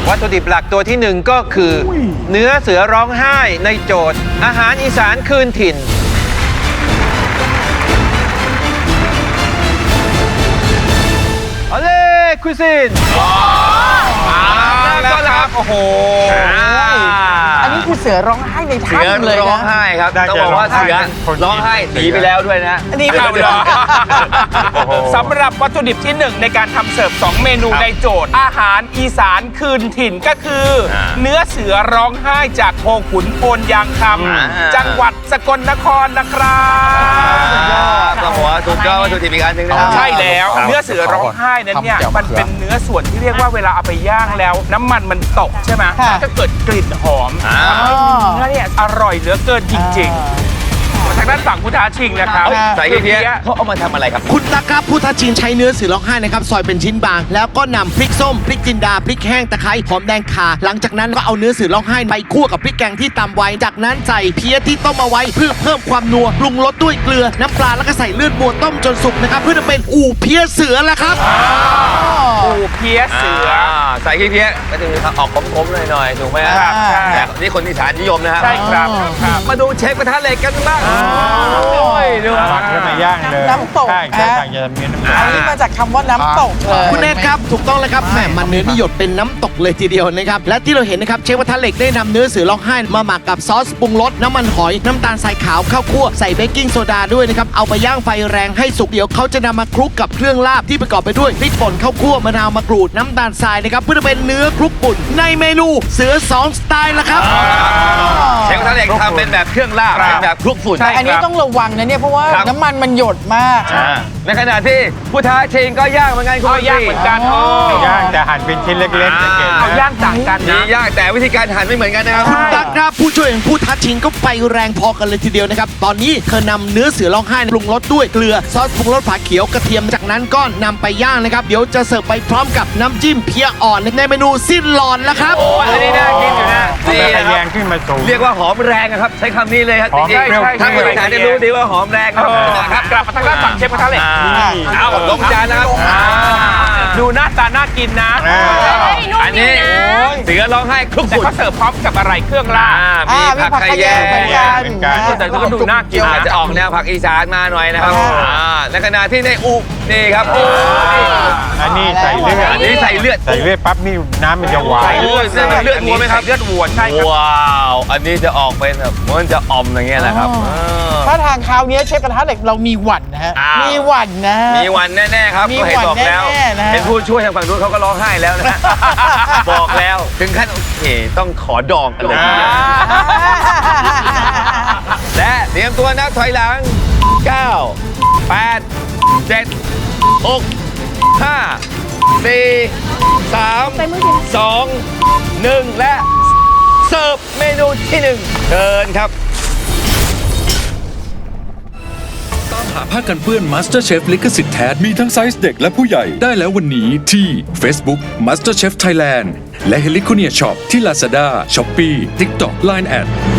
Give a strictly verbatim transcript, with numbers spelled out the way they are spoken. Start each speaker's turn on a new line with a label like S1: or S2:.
S1: วัตถุดิบหลักตัวที่หนึ่งก็คือเนื้อเสือร้องไห้ในโจทย์อาหารอีสานคืนถิ่นเอาเลยคุยซินมาแล้วครับโอ้โห
S2: อันนี้คือเสือร้องไห้ในถ้ำเลยนะ
S3: เสือร้องไห้ครับต้องบอกว่าเสือร้องไห้หนีไปแล้วด้วยนะ
S2: อันนี้
S4: เอาเลยสำหรับวัตถุดิบที่หนึ่งในการทำเสิร์ฟสองเมนูในโจทย์อาหารอีสานคืนถิ่นก็คือ เนื้อเสือร้องไห้จากโคขุนโพนยางคำจังหวัดสกลนครนะครับ
S3: ต้องบอกว่าสุดยอดวัตถุดิบอีกอันหนึ่งนะครับ
S4: ใช่แล้วเนื้อเสือร้องไห้นั้นเนี่ยมันเป็นเนื้อส่วนที่เรียกว่าเวลาเอาไปย่างแล้วน้ำมันมันตกใช่ไหมก็เกิดกลิ่นหอมเนื้อเนี่ยอร่อยเหลือเกินจริงๆทางด้านฝั่งผู้ท้าชิงนะครับ
S3: ใส่เพี้ยเขาเอามาทำอะไรครับ
S5: คุณตาครับผู้ท้าชิงใช้เนื้อเสือร้องไห้นะครับซอยเป็นชิ้นบางแล้วก็นำพริกส้มพริกจินดาพริกแห้งตะไคร้หอมแดงข่าหลังจากนั้นก็เอาเนื้อเสือร้องไห้ไปคั่วกับพริกแกงที่ตำไว้จากนั้นใส่เพี้ยที่ต้มเอาไว้เพื่อเพิ่มความนัวปรุงรสด้วยเกลือน้ำปลาแล้วก็ใส่เลือดวัวต้มจนสุกนะครับเพื่อจะเป็นอู่เพี้ยเสือแล้วครับ
S4: อู่เพี้ยเสือ
S3: ใส่เพี้ยก็จะมีออกขมๆหน่อยๆถูกไหมครับแต่นี่คนอีสานนิยมนะครับ
S4: ใช่ครับ
S3: มาดูเชฟกระทะเหล็กกันบ้าง
S2: ดู
S6: ผักขึ้นมาย่างเลย
S2: น้ำตก
S6: ใช่ใช่จะมีน้ำตก
S2: อันนี้มาจากคำว่าน้ำตกเลย
S5: คุณเนทครับถูกต้องแล้วครับแหมมันเนื้อนี่หยดเป็นน้ำตกเลยทีเดียวนะครับและที่เราเห็นนะครับเชฟกระทะเหล็กได้นำเนื้อเสือร้องไห้มาหมักกับซอสปรุงรสน้ำมันหอยน้ำตาลทรายขาวข้าวคั่วใส่เบกกิ้งโซดาด้วยนะครับเอาไปย่างไฟแรงให้สุกเดี๋ยวเขาจะนำมาคลุกกับเครื่องลาบที่ประกอบไปด้วยพริกป่นข้าวคั่วมะนาวมะกรูดน้ำตาลทรายนะครับเพื่อเป็นเนื้อคลุกป่นในเมนูเสือสองสไตล์ละครับ
S3: เชฟกระทะเหล็กทำเป็นแบบเครื่องลาบเป็นแบบคลุกฝุ่น
S2: อันนี้ต้องระวังนะเนี่ยเพราะว่าน้ำมันมันหยดมาก
S3: ในขณะที่ผู้ท้าชิงก็ย่างเหมือนกันคุณ
S4: ย่างเหมือนกัน
S6: ย่างแต่หั่นเป็นชิ้นเล็กๆ
S4: เอาย่างต่างกัน
S3: นะย่างแต่วิธีการหั่นไม่เหมือนกันนะครับ
S5: คุณตั๊กครับผู้ช่วยของผู้ท้าชิงก็ไปแรงพอกันเลยทีเดียวนะครับตอนนี้เธอนำเนื้อเสือร้องไห้ปรุงรสด้วยเกลือซอสปรุงรสผักเขียวกระเทียมจากนั้นก็นำไปย่างนะครับเดี๋ยวจะเสิร์ฟไปพร้อมกับน้ำจิ้มเพี้ยอ่อนในเมนูสิ้นหลอนแล้วครับ
S3: โอ้อันนี้น่ากินอยู่นะ
S6: นี่แรงขึ้นมาสูง
S3: เรียกว่าหอมแรงครับใช้คำนี้เลยครับจริงๆถ้าคนอีสานจะรู้ดีว่าหอมแรงครับ
S4: กลับมาทางด้านฝั่งเชฟกระทะเหล็ก
S3: เอาลงจานนะครับ
S4: ดูหน้าตาน่ากินนะ
S3: อันนี้เสือร้องไห้คลุกฝุ่น
S4: เขาเสิร์ฟพร้อมกับอะไรเครื่องลาบ
S3: มีผักไข่แยง
S4: แต่ก็ดูน่ากิน
S3: อาจจะออกแนวผักอีสานมาหน่อยนะครับในขณะที่ในอุนี่ครับ
S6: อันนี้ใส่เลือด
S3: อันนี้ใส่เลือด
S6: ใส่เลือดปั๊บนี่น้ำมันจะหวาน
S3: เลือดเลือดวัวไหมครับเลือดวัวใช่ครับว้าวอันนี้จะออกเป็นแบบมันจะอมอย่างเงี้ยแหละครับ
S2: ถ้าทางคราวนี้เชฟกระทะเหล็กเรามีหวั่นนะฮะมีหวั่นนะ
S3: มีหวั่นแน่ๆครับก็เห็นบอกแล้วเห็นผู้ช่วยทางฝั่งนู้นเขาก็ร้องไห้แล้วนะบอกแล้วถึงขั้นโอเคต้องขอดองกันเลยและเตรียมตัวนับถอยหลังเก้า แปด เจ็ด หก ห้า สี่ สาม สอง หนึ่งและเสิร์ฟเมนูที่หนึ่งเชิญครับ
S7: ตามหาผ้ากันเปื้อน MasterChef ลิขสิทธิ์แท้มีทั้งไซส์เด็กและผู้ใหญ่ได้แล้ววันนี้ที่ Facebook MasterChef Thailand และ Heliconia Shop ที่ Lazada, Shopee, TikTok, ไลน์ แอด